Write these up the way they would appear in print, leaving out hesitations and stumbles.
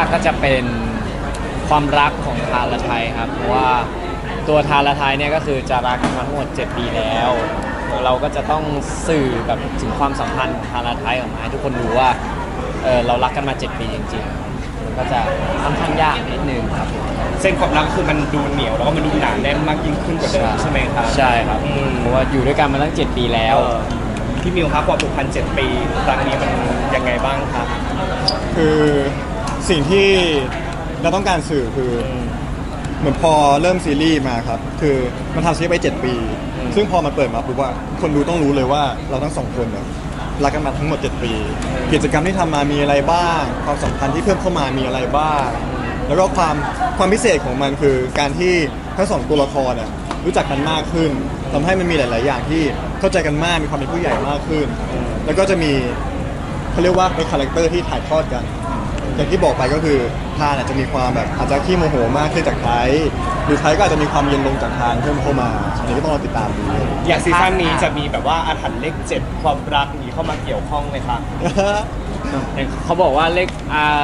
ก็จะเป็นความรักของทานและไทยครับเพราะว่าตัวทานและไทยเนี่ยก็คือจะรักกันมาทั้งหมด7 ปีแล้วเราก็จะต้องสื่อแบบถึงความสัมพันธ์ของทานและไทยออกมาให้ทุกคนรู้ว่าเรารักกันมา7 ปีจริงๆมันก็จะค่อนข้างยากนิดนึงครับเส้นความรักคือมันดูเหนียวแล้วก็มันดูหนาแน่นมากยิ่งขึ้นกว่าเดิมใช่ไหมครับใช่ครับเพราะว่าอยู่ด้วยกันมาตั้ง7 ปีแล้วพี่มิวครับความผูกพัน7 ปีครั้งนี้มันยังไงบ้างครับคือสิ่งที่เราต้องการสื่อคือเหมือนพอเริ่มซีรีส์มาครับคือมันทำซีรีส์ไป7 ปีซึ่งพอมันเปิดมาปุ๊บว่าคนดูต้องรู้เลยว่าเราทั้ง2 คนเนี่ยรักกันมาทั้งหมด7 ปีกิจกรรมที่ทำมามีอะไรบ้างความสัมพันธ์ที่เพิ่มเข้ามามีอะไรบ้างแล้วก็ความพิเศษของมันคือการที่ทั้ง2 ตัวละครเนี่ยรู้จักกันมากขึ้นทำให้มันมีหลาย ๆ อย่างที่เข้าใจกันมากมีความเป็นผู้ใหญ่มากขึ้นแล้วก็จะมีเขาเรียกว่าเป็นคาแรคเตอร์ที่ถ่ายทอดกันอย่างที่บอกไปก็คือทานอาจจะมีความแบบอาจจะขี้โมโหมากขึ้นจากไทยหรือไทยก็อาจจะมีความเย็นลงจากทานเพิ่มเข้ามาอันนี้ก็ต้องรอติดตามดูอย่างซีซั่นนี้จะมีแบบว่าอาถรรพ์เลข7ความรักนี้เข้ามาเกี่ยวข้องไหมคะเขาบอกว่าเลข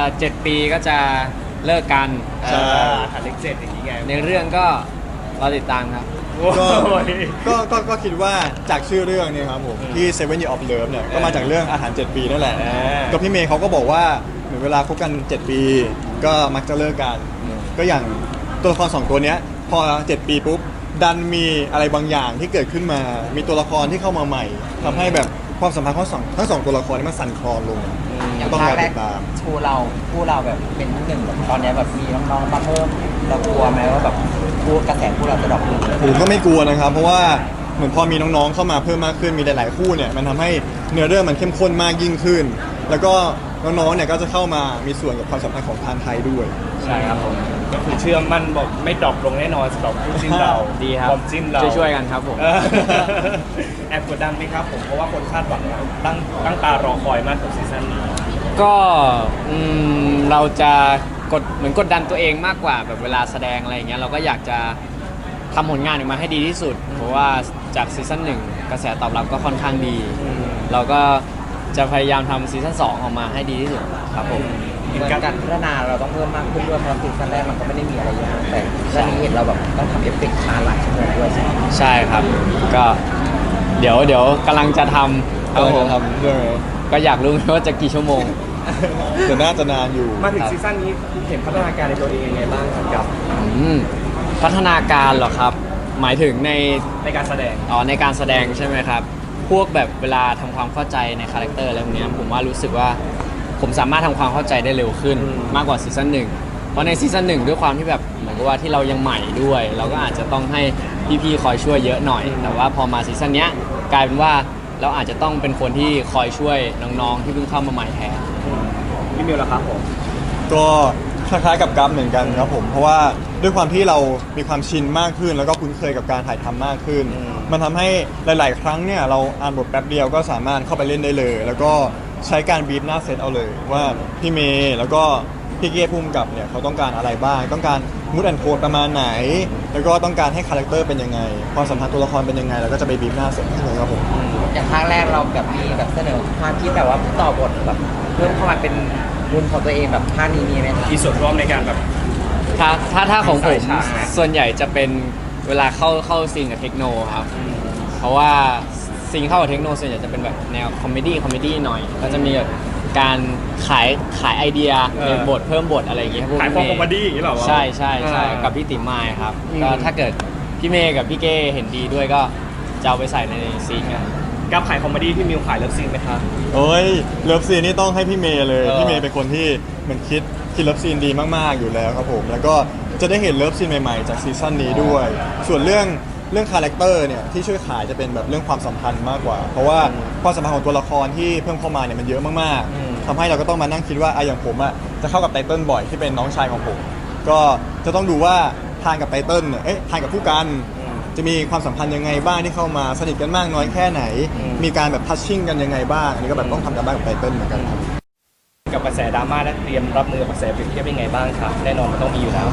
7 ปีก็จะเลิกกันอาถรรพ์เลข7อย่างนี้ไงในเรื่องก็รอติดตามครับก็คิดว่าจากชื่อเรื่องเนี่ยครับผมที่ Seven Years of Love เนี่ยก็มาจากเรื่องอาหาร7 ปีนั่นแหละก็พี่เมย์เขาก็บอกว่าเหมือนเวลาคบกัน7 ปีก็มักจะเลิกกันก็อย่างตัวละคร2 ตัวเนี้ยพอ7 ปีปุ๊บดันมีอะไรบางอย่างที่เกิดขึ้นมามีตัวละครที่เข้ามาใหม่ทำให้แบบความสัมพันธ์ทั้งสองตัวละครนี้มันสั่นคลอนลงต้องรอติดตามคู่เราแบบเป็นที่1แบบตอนนี้แบบมีน้องๆมาเพิ่มเรากลัวไหมว่าแบบกระแสคู่เราจะดรอปลงผมก็ไม่กลัวนะครับเพราะว่าเหมือนพอมีน้องๆเข้ามาเพิ่มมากขึ้นมีหลายๆคู่เนี่ยมันทำให้เนื้อเรื่องมันเข้มข้นมากยิ่งขึ้นแล้วก็น้องๆเนี่ยก็จะเข้ามามีส่วนกับความสัมพันธ์ของทานไทยด้วยใช่ครับผมก็คือเชื่อมั่นบอกไม่ดรอปลงแน่นอนสำหรับคู่จิ้นเราดีครับความจิ้นเราช่วยกันครับผมแอบกดดันไหมครับผมเพราะว่าคนคาดหวังตั้งตารอคอยมากกับซีซั่นนี้ก็เราจะเหมือนกดดันตัวเองมากกว่าแบบเวลาแสดงอะไรอย่างเงี้ยเราก็อยากจะทำผลงานออกมาให้ดีที่สุดเพราะว่าจากซีซั่น1กระแสตอบรับก็ค่อนข้างดีเราก็จะพยายามทำซีซั่น2ออกมาให้ดีที่สุดครับผมการพัฒนาเราต้องเพิ่มมากขึ้นด้วยเพราะซีซั่นแรกมันก็ไม่ได้มีอะไรเยอะแต่ซีซั่นนี้เห็นเราแบบต้องทำเอฟเฟกต์มาหลายชั่วโมงด้วยใช่ครับก็เดี๋ยวกำลังจะทำก็อยากรู้ว่าจะกี่ชั่วโมงแต่น่าจะนานอยู่มาถึงซีซั่นนี้เห็นพัฒนาการในตัวเองยังไงบ้างกับพัฒนาการเหรอครับหมายถึงในการแสดงในการแสดงใช่ไหมครับพวกแบบเวลาทำความเข้าใจในคาแรคเตอร์อะไรพวกนี้ผมว่ารู้สึกว่าผมสามารถทำความเข้าใจได้เร็วขึ้นมากกว่าซีซั่น1เพราะในซีซั่น1ด้วยความที่แบบเหมือนกับว่าที่เรายังใหม่ด้วยเราก็อาจจะต้องให้พี่ๆคอยช่วยเยอะหน่อยแต่ว่าพอมาซีซั่นนี้กลายเป็นว่าเราอาจจะต้องเป็นคนที่คอยช่วยน้องๆที่เพิ่งเข้ามาใหม่แทนพี่มิวล่ะครับผมก็คล้ายๆกับกัฟเหมือนกันครับผมเพราะว่าด้วยความที่เรามีความชินมากขึ้นแล้วก็คุ้นเคยกับการถ่ายทำมากขึ้นมันทำให้หลายๆครั้งเนี่ยเราอ่านบทแป๊บเดียวก็สามารถเข้าไปเล่นได้เลยแล้วก็ใช้การบีบหน้าเซตเอาเลยว่าพี่เมย์แล้วก็พี่เก้พุ่มกับเนี่ยเขาต้องการอะไรบ้างต้องการมูดแอนด์โทนประมาณไหนแล้วก็ต้องการให้คาแรคเตอร์เป็นยังไงความสัมพันธ์ตัวละครเป็นยังไงแล้วก็จะไปบีบหน้าเซตให้เลยครับผมอย่างภาคแรกเราแบบมีแบบเสนอความคิดแบบว่าต่อบทแบบเพิ่มเข้ามาเป็นบุญของตัวเองแบบภาคนี้มีไหมมีส่วนร่วมในการแบบถ้าของผมส่วนใหญ่จะเป็นเวลาเข้าซีนกับเทคโนครับเพราะว่าซีนเข้ากับเทคโนส่วนใหญ่จะเป็นแบบแนวคอมเมดี้หน่อยก็จะมีแบบการขายไอเดียในบทเพิ่มบทอะไรอย่างเงี้ยขายความคอมเมดี้อย่างนี้หรอใช่กับพี่ติ๋มมายครับก็ถ้าเกิดพี่เมย์กับพี่เก้เห็นดีด้วยก็จะเอาไปใส่ในซีนกันกับขายคอมเมดี้พี่มิวขายเลิฟซีนไหมครับโอ้ยเลิฟซีนนี่ต้องให้พี่เมย์เลยพี่เมย์เป็นคนที่เหมือนคิดเลิฟซีนดีมากๆอยู่แล้วครับผมแล้วก็จะได้เห็นเลิฟซีนใหม่ๆจากซีซั่นนี้ด้วยส่วนเรื่องคาแรคเตอร์เนี่ยที่ช่วยขายจะเป็นแบบเรื่องความสัมพันธ์มากกว่าเพราะว่าความสัมพันธ์ของตัวละครที่เพิ่มเข้ามาเนี่ยมันเยอะมากๆทำให้เราก็ต้องมานั่งคิดว่าอย่างผมจะเข้ากับไตเติ้ลบ่อยที่เป็นน้องชายของผมก็จะต้องดูว่าทานกับไตเติ้ลเนี่ยทานกับผู้กันจะมีความสัมพันธ์ยังไงบ้างที่เข้ามาสนิทกันมากน้อยแค่ไหนมีการแบบทัชชิ่งกันยังไงบ้างอันนี้ก็แบบต้องทำกันบ้างกับไตเติ้ลเหมือนกันกับกระแสดราม่าและเตรียมรับมือกับกระแสเปรียบเทียบยังไงบ้างครับแน่นอนมันต้องมีอยู่แล้ว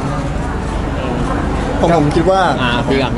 ผมคิดว่าพี่ก่อน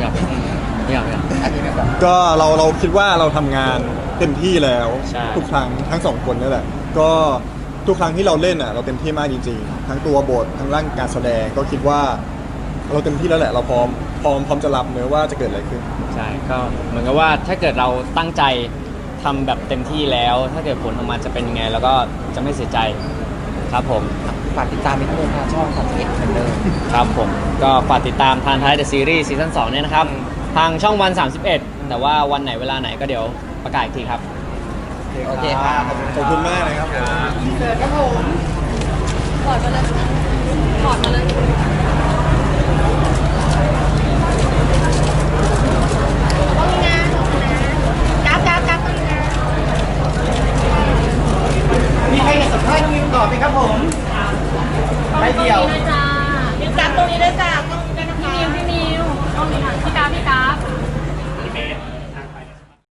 ก็เราคิดว่าเราทำงานเต็มที่แล้วทุกครั้งทั้ง2 คนนี่แหละก็ทุกครั้งที่เราเล่นอ่ะเราเต็มที่มากจริงๆทั้งตัวบททั้งร่างการแสดงก็คิดว่า เราเต็มที่แล้วแหละเราพร้อมจะรับเนื้อว่าจะเกิดอะไรขึ้นใช่ก็เหมือนกับว่าถ้าเกิดเราตั้งใจทำแบบเต็มที่แล้ว ถ้าเกิดผลออกมาจะเป็นยังไงแล้วก็จะไม่เสียใจครับผมฝากติดตามอีกทีทางช่อง31เหมือนเดิมครับผมก็ฝากติดตามทานท้ายเดอะซีรีส์ซีซั่น2เนี่ยนะครับ ทางช่องวัน 31 แต่ว่าวันไหนเวลาไหนก็เดี๋ยวประกาศอีกทีครับโอเคค่ะขอบคุณมากเลยครับเดินครับผมถอดมาเลยถอดมาเลย